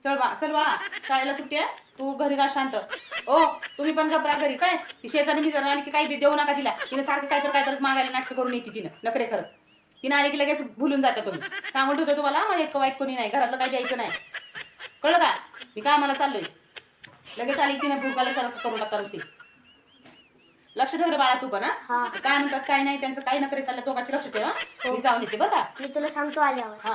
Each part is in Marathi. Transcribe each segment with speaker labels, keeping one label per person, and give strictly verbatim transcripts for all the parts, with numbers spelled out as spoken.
Speaker 1: चल बा चल बाळा, शाळेला सुट्टी आहे, तू घरी राहा शांत. ओ तुम्ही पण घबरा घरी. काय ती शेजारी मी जर आली की काही बी देऊ नका तिला. तिने सारखं काय तर काय तर मागायला नाटकं करून येते तिनं नखरे करत. तिने आली की लगेच भुलून जाता तुम्ही. सांगून ठेवतो तुम्हाला, मला इतकं वाईट कोणी नाही, घरातलं काही द्यायचं नाही, कळलं का? मी काय मला चाललोय. लगेच आली तिने भूकाला सारखं करून टाकता नुसती. लक्ष ठेव रे बाळा तू पण. हा काय म्हणतात काय नाही त्यांचं काही नखरे चाललं, दोघांचे लक्ष ठेव. मी जाऊन येते बरं का.
Speaker 2: मी तुला सांगतो आल्यावर.
Speaker 1: हा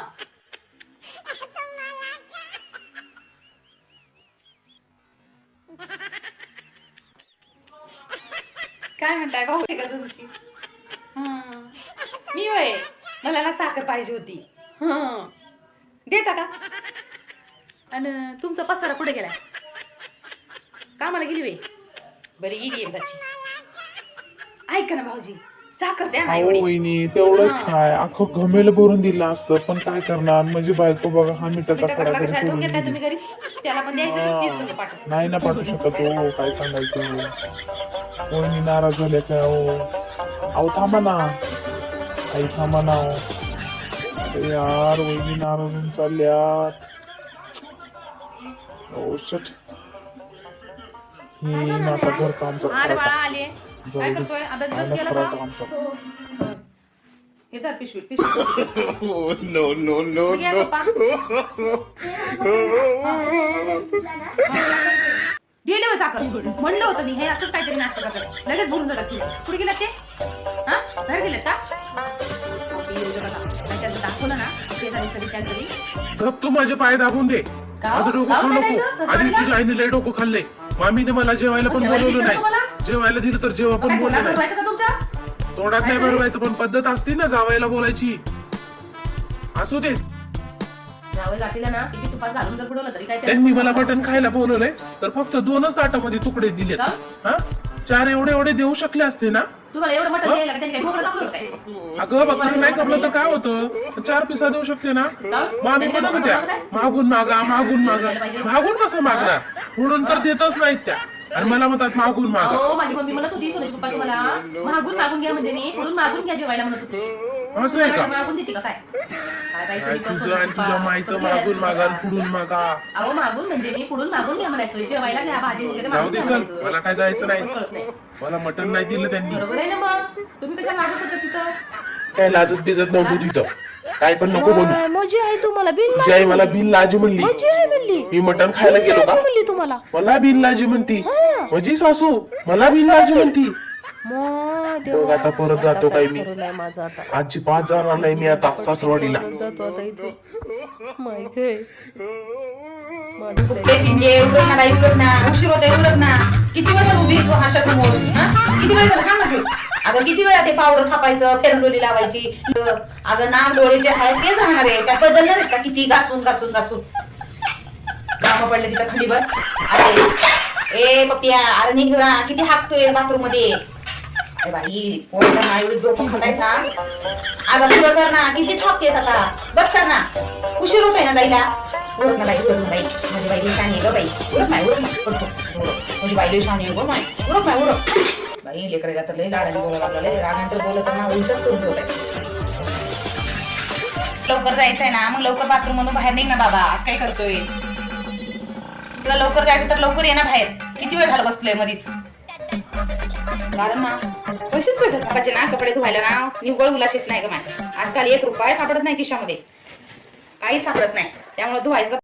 Speaker 1: काय म्हणताय भाऊ का तुमची? हा मी वय मला ना साखर पाहिजे होती. हा देता का? आणि तुमचा पसारा कुठे गेलाय? कामाला गेली वे? बरी गेली एकदाची. ऐका ना भाऊजी, साखर द्या ना
Speaker 3: अहो
Speaker 1: एवढी.
Speaker 3: वहिनी तेवढंच काय अख्खं घमेल भरून दिलं असतं, पण काय करणार म्हणजे बायको बघा हा मिठाचा
Speaker 1: मिठाचा
Speaker 3: खडा
Speaker 1: खडा
Speaker 3: घरी
Speaker 1: कशाला ठेवून
Speaker 3: सोडून
Speaker 1: घेतलाय
Speaker 3: गेली.
Speaker 1: तुम्ही घरी? त्याला पण द्यायचं तीस संग पाठव.
Speaker 3: नाही ना पाठवू शकत हो, काय सांगायचं. वहिनी नाराज झाल्या काय हो? अहो थांबा ना, आई थांबा ना हो. अरे यार वहिनी नाराज होऊन चालल्यात. Oh shit. ही ना आता घरचा आमचा
Speaker 1: अरे बाळा
Speaker 3: खराटा
Speaker 1: आले.
Speaker 3: जाऊ
Speaker 1: काय
Speaker 3: दे.
Speaker 1: करतोय? अभ्यास
Speaker 3: आला
Speaker 1: बस केला
Speaker 3: खराटा
Speaker 1: का?
Speaker 3: आमचा.
Speaker 1: हे धर पिशवी पिशवी.
Speaker 4: no, no, no,
Speaker 1: घ्या
Speaker 4: no.
Speaker 1: पप्पा. गेले होय साखर. म्हणलं होतं मी हे असंच काहीतरी नाटक करतात, लगेच बोलून जातात तुला. कुठे गेलात ते? हा बाहेर गेलेत का? बापरे, येऊ दे बघा. नाही त्यांचं दाखवलं ना शेजारी सगळी त्यांचं
Speaker 3: गप तू माझे पाय दाबून दे.
Speaker 1: का?
Speaker 3: असं डोकं
Speaker 1: गाव
Speaker 3: खाऊ
Speaker 1: काय
Speaker 3: नको.
Speaker 1: जायचं?
Speaker 3: आधी
Speaker 1: ससुरालीला?
Speaker 3: तुझ्या आईने लय डोकं खाल्लंय. मामीने मला जेवायला पण
Speaker 1: जेवायला
Speaker 3: बोलवलं
Speaker 1: दिलं
Speaker 3: नाही.
Speaker 1: तुम्हाला?
Speaker 3: जेवायला दिलं तर जेव्हा पण
Speaker 1: काय
Speaker 3: बोललं
Speaker 1: तोंडात
Speaker 3: नाही.
Speaker 1: भरवायचं का तुमच्या?
Speaker 3: तोंडात नाही भरवायचं, पण पद्धत असते ना जावायला बोलायची. असू दे.
Speaker 1: जावई जातीला ना किती तुपात घालून जर बुडवलं तरी काय त्याला-
Speaker 3: त्यांनी मला मटण खायला बोलवलंय, तर फक्त दोनच ताटामध्ये तुकडे दिलेत.
Speaker 1: का?
Speaker 3: हा चार एवढे एवढे देऊ शकले असते ना.
Speaker 1: तुम्हाला एवढं मटण द्यायला का? त्यांनी काय भोगं टाकलं होतं काय?
Speaker 3: अगं बाबा नाही कमलं तर काय होतं, चार पिसा देऊ शकते ना. मामी म्हणत होत्या मागून मागा मागून मागा. मागून कसं मागणार, फोडून तर देतच नाहीत त्या, आणि मला म्हणतात मागून मागा.
Speaker 1: हो माझी मम्मी म्हणत होती सोन्याची पप्पा तुम्हाला मागून मागून घ्या, म्हणजे मी पुढून मागून घ्या जेवायला म्हणत होती.
Speaker 3: असं आहे का?
Speaker 1: मागून देते का काय? काय बाई
Speaker 3: काय
Speaker 1: तुम्ही पण
Speaker 3: तुझं
Speaker 1: सोन्याची
Speaker 3: आणि तुझ्या
Speaker 1: पप्पा.
Speaker 3: माईचं
Speaker 1: कसं
Speaker 3: मागून
Speaker 1: आहे?
Speaker 3: मागा आणि पुढून मागा.
Speaker 1: अहो मागून म्हणजे मी पुढून मागून घ्या म्हणायचो, जेवायला घ्या भाजी वगैरे
Speaker 3: जाऊ
Speaker 1: मागून
Speaker 3: दे
Speaker 1: घ्या
Speaker 3: चल,
Speaker 1: म्हणायचं.
Speaker 3: मला काय जायचं नाही.
Speaker 1: कळत नाही.
Speaker 3: मला मटण नाही दिलं त्यांनी.
Speaker 1: बरोबर आहे ना मग, तुम्ही कशाला लागत होता तिथं?
Speaker 3: काय लाजत बिजत नव्हतं तिथं. काय पण नको बोलू.
Speaker 5: माझी आई तुम्हाला बिल
Speaker 3: तुझी आई मला बिन लाजी म्हणली.
Speaker 5: माझी आई म्हणली
Speaker 3: मी मटण खायला गेलो का?
Speaker 5: म्हणली तुम्हाला
Speaker 3: मला बिन लाजी म्हणती. माझी सासू मला बिन लाजी म्हणती.
Speaker 5: मग
Speaker 3: बघ आता परत जातो काय मी.
Speaker 5: नाही माझा आता
Speaker 3: आजची पाच जाणार नाही मी आता सासरवाडीला.
Speaker 5: जातो आता इथं माय गे
Speaker 1: ये उरक ना बाई, उरक ना, उशीर होतोय, उरक ना. किती वेळ झालं उभी तू आरशासमोर? हा? किती वेळ झालं सांग ना तू. अगं किती वेळा ते पावडर थापायचं, फेरडोली लावायची. अगं नाक डोळे जे आहेत तेच राहणार आहे, त्या बदलणार आहेत का? किती घासून घासून घासून काम पडले तिथं खंडीवर. अरे ए पप्पिया, अरे निघ ना, किती हाकतोय बाथरूम मध्ये. अरे बाई पोळ्या ना एवढी डोकं खातायत ना. अगं पुढं कर ना, किती थापतेस आता, बस कर ना, उशीर होतोय ना जायला. उरक ना बाई, उरक ना बाई, माझी बाई शानी आहे ग बाई. उरक नाही उरक नाही उरक, उरक. माझी बाई शानी आहे ग नाही, उरक नाही उरक. बाई लेकरायला तर लई लाडाने बोलायला लागला, लई रागानंतर बोलत ना उलटच करून ठेवलंय. लवकर जायचंय ना, मग लवकर बाथरूम मधून बाहेर निघ ना बाबा. आज काय करतोय? तुला लवकर जायचं तर लवकर ये ना बाहेर. किती वेळ झाला बसलोय मधीच. कारण ना पैसेच भेटत बाबाचे ना कपडे धुवायला ना निव्वळ मुलाशीच नाही ग माझ्या. आजकाल एक रुपया सापडत नाही खिशामध्ये, काही सापडत नाही, त्यामुळे धुवायचं